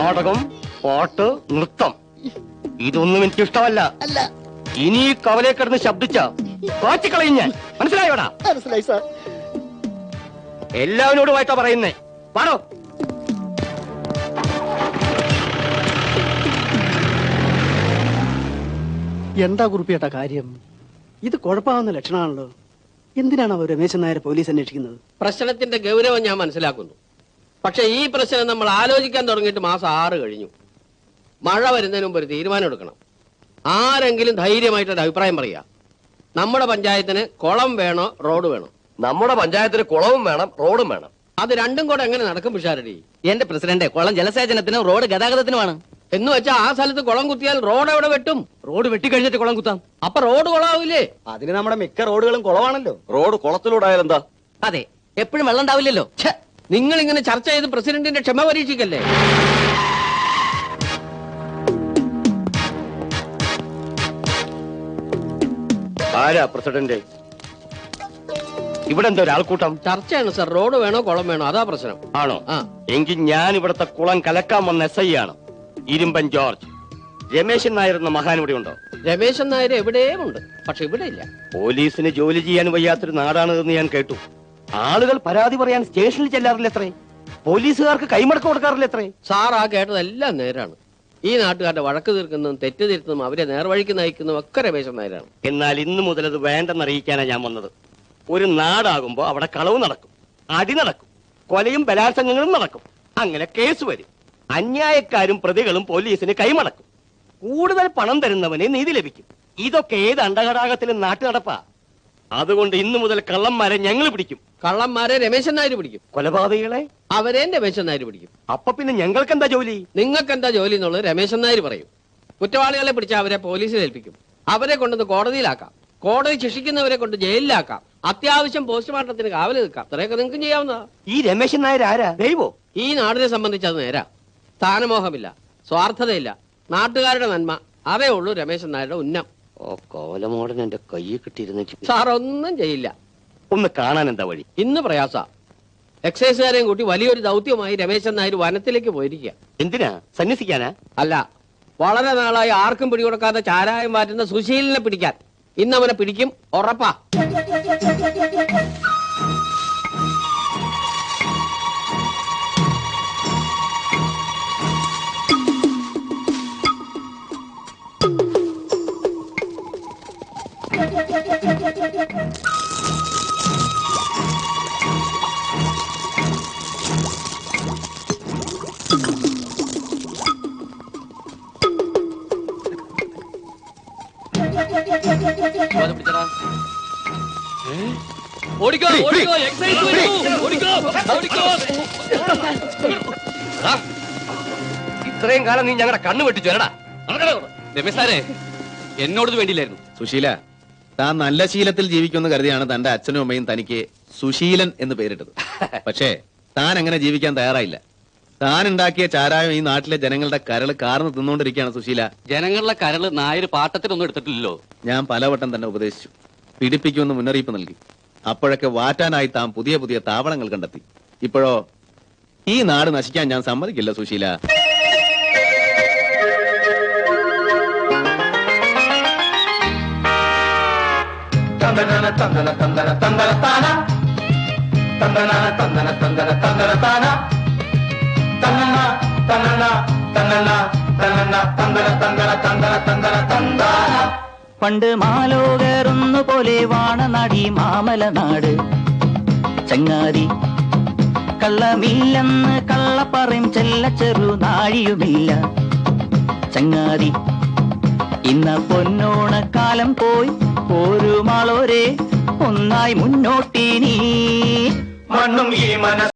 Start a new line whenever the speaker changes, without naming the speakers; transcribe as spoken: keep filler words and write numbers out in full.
നാടകം, പാട്ട്, നൃത്തം ഇതൊന്നും എനിക്ക് ഇഷ്ടമല്ല. ഇനി ഈ കവലെ കിടന്ന് ശബ്ദിച്ച കാച്ചിക്കളയും ഞാൻ. മനസ്സിലായോടാ?
മനസ്സിലായി സാർ.
എല്ലാവരോടുമായിട്ടാ പറയുന്നേ. പാടോ.
എന്താ കുറിപ്പിയേട്ട കാര്യം? ഇത് കുഴപ്പമാവുന്ന ലക്ഷണമാണല്ലോ. എന്തിനാണ് അവർ രമേശൻ നായരെ പോലീസ് അന്വേഷിക്കുന്നത്?
പ്രശ്നത്തിന്റെ ഗൗരവം ഞാൻ മനസ്സിലാക്കുന്നു. പക്ഷെ ഈ പ്രശ്നം നമ്മൾ ആലോചിക്കാൻ തുടങ്ങിയിട്ട് മാസം ആറ് കഴിഞ്ഞു. മഴ വരുന്നതിന് മുമ്പ് ഒരു തീരുമാനം എടുക്കണം. ആരെങ്കിലും ധൈര്യമായിട്ടൊരു അഭിപ്രായം പറയുക. നമ്മുടെ പഞ്ചായത്തിന് കുളം വേണോ റോഡ് വേണോ?
നമ്മുടെ പഞ്ചായത്തിന് കുളവും വേണം, റോഡും വേണം.
അത് രണ്ടും കൂടെ എങ്ങനെ നടക്കും പിഷാരടി?
എന്റെ പ്രസിഡന്റ്, കുളം ജലസേചനത്തിനും റോഡ് ഗതാഗതത്തിനുമാണ്.
എന്ന് വെച്ചാൽ ആ സ്ഥലത്ത് കുളം കുത്തിയാൽ റോഡ് എവിടെ വെട്ടും?
റോഡ് വെട്ടിക്കഴിഞ്ഞിട്ട് കുളം കുത്താം.
അപ്പൊ റോഡ് കുളമാവില്ലേ?
അതിന് നമ്മുടെ മിക്ക റോഡുകളും കുളമാണല്ലോ. റോഡ് കുളത്തിലൂടെ ആയാലും എന്താ?
അതെ, എപ്പോഴും വെള്ളം ഉണ്ടാവില്ലല്ലോ.
നിങ്ങൾ ഇങ്ങനെ ചർച്ച ചെയ്ത് പ്രസിഡന്റിന്റെ ക്ഷമ പരീക്ഷിക്കല്ലേ?
ആരാ പ്രസിഡന്റ്? ഇവിടെ എന്താ ഒരാൾക്കൂട്ടം?
ചർച്ചയാണ് സർ. റോഡ് വേണോ കുളം വേണോ, അതാ പ്രശ്നം.
ആണോ?
ആ,
എങ്കിൽ ഞാൻ ഇവിടത്തെ കുളം കലക്കാൻ വന്ന എസ് ഐ ആണ്, ഇരുമ്പൻ ജോർജ്. രമേശൻ നായർ എന്ന മഹാൻ ഇവിടെ ഉണ്ടോ?
രമേശൻ നായർ എവിടെയും ഉണ്ട്, പക്ഷെ ഇവിടെ ഇല്ല.
പോലീസിന് ജോലി ചെയ്യാൻ വയ്യാത്തൊരു നാടാണ് എന്ന് ഞാൻ കേട്ടു. ആളുകൾ പരാതി പറയാൻ സ്റ്റേഷനിൽ ചെല്ലാറില്ല എത്രേ? പോലീസുകാർക്ക് കൈമടക്കം കൊടുക്കാറില്ല എത്രേ?
സാർ ആ കേട്ടതെല്ലാം നേരാണ്. ഈ നാട്ടുകാരുടെ വഴക്ക് തീർക്കുന്നതും തെറ്റ് തിരുത്തുന്നതും അവരെ നേർവഴിക്ക് നയിക്കുന്നതും ഒക്കെ രമേശൻ നായരാണ്.
എന്നാൽ ഇന്നു മുതൽ അത് വേണ്ടെന്നറിയിക്കാനാണ് ഞാൻ വന്നത്. ഒരു നാടാകുമ്പോ അവിടെ കളവ് നടക്കും, അടി നടക്കും, കൊലയും ബലാത്സംഗങ്ങളും നടക്കും. അങ്ങനെ കേസ് വരും. അന്യായക്കാരും പ്രതികളും പോലീസിന് കൈമടക്കും. കൂടുതൽ പണം തരുന്നവന് നീതി ലഭിക്കും. ഇതൊക്കെ ഏത് അണ്ടഘടാകത്തിലും നാട്ടു നടപ്പാ. അതുകൊണ്ട് ഇന്നു മുതൽ കള്ളന്മാരെ ഞങ്ങൾ പിടിക്കും.
കള്ളന്മാരെ രമേശൻ നായർ പിടിക്കും.
കൊലപാതകികളെ
അവരെ രമേശൻ നായർ പിടിക്കും.
അപ്പൊ പിന്നെ ഞങ്ങൾക്ക് എന്താ ജോലി?
നിങ്ങൾക്ക് എന്താ ജോലി എന്നുള്ളത് രമേശൻ നായർ പറയും. കുറ്റവാളികളെ പിടിച്ച് അവരെ പോലീസിൽ ഏൽപ്പിക്കും. അവരെ കൊണ്ടൊന്ന് കോടതിയിലാക്കാം. കോടതി ശിക്ഷിക്കുന്നവരെ കൊണ്ട് ജയിലിലാക്കാം. അത്യാവശ്യം പോസ്റ്റ്മോർട്ടത്തിന് കാവല് നിൽക്കാം. അത്രയൊക്കെ നിങ്ങൾക്ക് ചെയ്യാവുന്നതാ.
ഈ രമേശൻ നായർ ആരാ? ദൈവോ?
ഈ നാടിനെ സംബന്ധിച്ച് അത് നേരാ. സ്ഥാനമോഹമില്ല, സ്വാർത്ഥതയില്ല, നാട്ടുകാരുടെ നന്മ, അതേ ഉള്ളൂ രമേശൻ നായരുടെ ഉന്നം.
ഓ, കോലമോടൻ എന്റെ കയ്യിൽ കിട്ടിയിരുന്ന.
സാർ ഒന്നും ചെയ്യില്ല.
ഒന്ന് കാണാൻ എന്താ വഴി?
ഇന്ന് പ്രയാസ. എക്സൈസുകാരെയും കൂട്ടി വലിയൊരു ദൗത്യമായി രമേശൻ നായർ വനത്തിലേക്ക് പോയിരിക്കുക.
എന്തിനാ? സന്യസിക്കാനാ?
അല്ല, വളരെ നാളായി ആർക്കും പിടികൊടുക്കാതെ ചാരായം മാറ്റുന്ന സുശീലിനെ പിടിക്കാൻ. ഇന്ന് അവനെ പിടിക്കും, ഉറപ്പാ.
ഓടിക്കോ, ഓടിക്കോ, എക്സൈസ് വരൂ, ഓടിക്കോ, ഓടിക്കോ.
ഇത്രയും കാലം നീ ഞങ്ങളുടെ കണ്ണു വെട്ടിച്ചു വരടാ.
രമേശ് സാറേ, എന്നോടത് വേണ്ടിയില്ലായിരുന്നു.
സുശീല, താൻ നല്ല ശീലത്തിൽ ജീവിക്കുമെന്ന് കരുതിയാണ് തന്റെ അച്ഛനും അമ്മയും തനിക്ക് സുശീലൻ എന്ന് പേരിട്ടത്. പക്ഷേ താൻ അങ്ങനെ ജീവിക്കാൻ തയ്യാറായില്ല. താൻ ഉണ്ടാക്കിയ ചാരായം ഈ നാട്ടിലെ ജനങ്ങളുടെ കരള് കാർന്ന് തിന്നുകൊണ്ടിരിക്കുകയാണ് സുശീല.
ജനങ്ങളുടെ കരള് നായര് പാട്ടത്തിനൊന്നും എടുത്തിട്ടില്ലല്ലോ.
ഞാൻ പലവട്ടം തന്നെ ഉപദേശിച്ചു, പിടിപ്പിക്കുമെന്ന് മുന്നറിയിപ്പ് നൽകി. അപ്പോഴൊക്കെ വാറ്റാനായി താൻ പുതിയ പുതിയ താവളങ്ങൾ കണ്ടെത്തി. ഇപ്പോഴോ ഈ നാട് നശിക്കാൻ ഞാൻ സമ്മതിക്കില്ല സുശീല.
പണ്ട് മാലോകരൊന്നു പോലെ വാണനാടി മാമല നാട്. ചങ്ങാതി കള്ളമില്ലെന്ന് കള്ളപ്പറയും ചെല്ല ചെറു നാഴിയുമില്ല. ചങ്ങാതി ഇന്ന പൊന്നോണക്കാലം പോയി ഒരു മാളോരെ ഒന്നായി മുന്നോട്ടിനി.
മണ്ണും ഈ മനസ്സ്